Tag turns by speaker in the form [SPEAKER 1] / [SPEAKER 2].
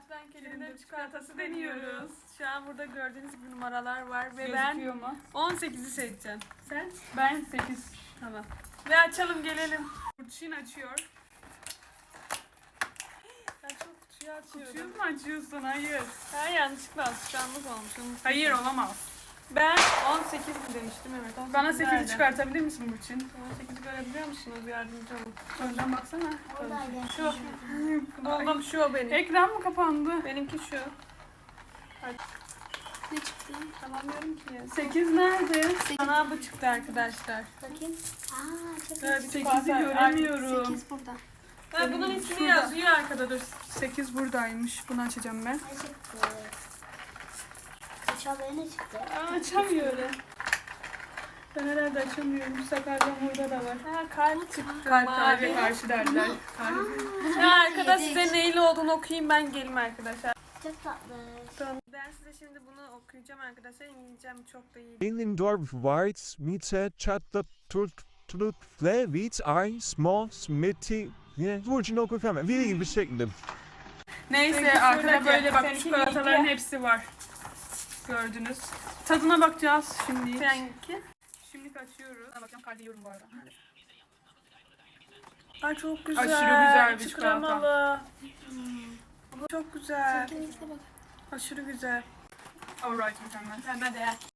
[SPEAKER 1] Fatih'ten Kerim'de çikolatası deniyoruz. Şu an burada gördüğünüz gibi numaralar var ve ben
[SPEAKER 2] Gözüküyor mu?
[SPEAKER 1] 18'i seçeceğim. Sen?
[SPEAKER 2] Ben 8.
[SPEAKER 1] Tamam. Ve açalım gelelim.
[SPEAKER 2] Burçin açıyor.
[SPEAKER 1] Ben çok kutuyu açıyorum.
[SPEAKER 2] Kutuyu mu açıyorsun? Hayır.
[SPEAKER 1] Ha, yanlışlıkla alışkanlık olmuş.
[SPEAKER 2] Hayır olamaz.
[SPEAKER 1] Ben 18 mi demiştim, evet. 18
[SPEAKER 2] Bana 8'i
[SPEAKER 1] nerede?
[SPEAKER 2] çıkartabilir misin Burçin?
[SPEAKER 1] 18'i görebiliyor musunuz? Yardımcı olun.
[SPEAKER 2] Önden baksana.
[SPEAKER 3] Oradaydı.
[SPEAKER 1] Şu. Oğlum şu o benim.
[SPEAKER 2] Ekran mı kapandı?
[SPEAKER 1] Benimki şu.
[SPEAKER 3] Ne çıktı?
[SPEAKER 1] Tamamlıyorum ki.
[SPEAKER 2] 8 nerede?
[SPEAKER 1] Bana bu çıktı arkadaşlar.
[SPEAKER 3] Bakayım. Aa çok
[SPEAKER 1] Böyle
[SPEAKER 3] iyi.
[SPEAKER 1] bir
[SPEAKER 2] 8'i göremiyorum.
[SPEAKER 3] 8 burada.
[SPEAKER 1] Ha, bunun ismini
[SPEAKER 2] Şurada.
[SPEAKER 1] yazıyor arkada, dur.
[SPEAKER 2] 8 buradaymış. Bunu açacağım ben.
[SPEAKER 3] Ne çıktı? Kaçalıya ne çıktı?
[SPEAKER 2] Aa, açamıyorum. Ben herhalde açamıyorum. Sakardan burada da var.
[SPEAKER 1] Ha, kalp çıktı.
[SPEAKER 2] Kalp
[SPEAKER 1] mavi.
[SPEAKER 2] kalbe karşı derler. Kalp.
[SPEAKER 1] Ya arkada size neyle olduğunu okuyayım, ben geleyim arkadaşlar.
[SPEAKER 3] Çok tatlı.
[SPEAKER 1] Tamam. Ben size şimdi bunu okuyacağım arkadaşlar. İngilizcem çok da iyi.
[SPEAKER 4] Elindorf White Mite Chatta Tut Flevit Ay Small Smitty Burçin oku hemen. Veri gibi bir şekilde.
[SPEAKER 2] Neyse
[SPEAKER 1] Peki,
[SPEAKER 2] arkada
[SPEAKER 1] şuradaki
[SPEAKER 2] böyle bak
[SPEAKER 1] seninki
[SPEAKER 2] çikolataların
[SPEAKER 1] iki.
[SPEAKER 2] hepsi var. Gördünüz. Tadına bakacağız şimdi.
[SPEAKER 1] Seninki?
[SPEAKER 2] Şimdi açıyoruz. Ben bakacağım kalbi yiyorum bu arada.
[SPEAKER 1] Ay çok güzel.
[SPEAKER 2] Aşırı güzel bir
[SPEAKER 1] İçi
[SPEAKER 2] çikolata.
[SPEAKER 1] kremalı. Bu çok güzel.
[SPEAKER 3] Kesinlikle bak.
[SPEAKER 1] Aşırı güzel.
[SPEAKER 2] Alright mükemmel.
[SPEAKER 1] Hemen de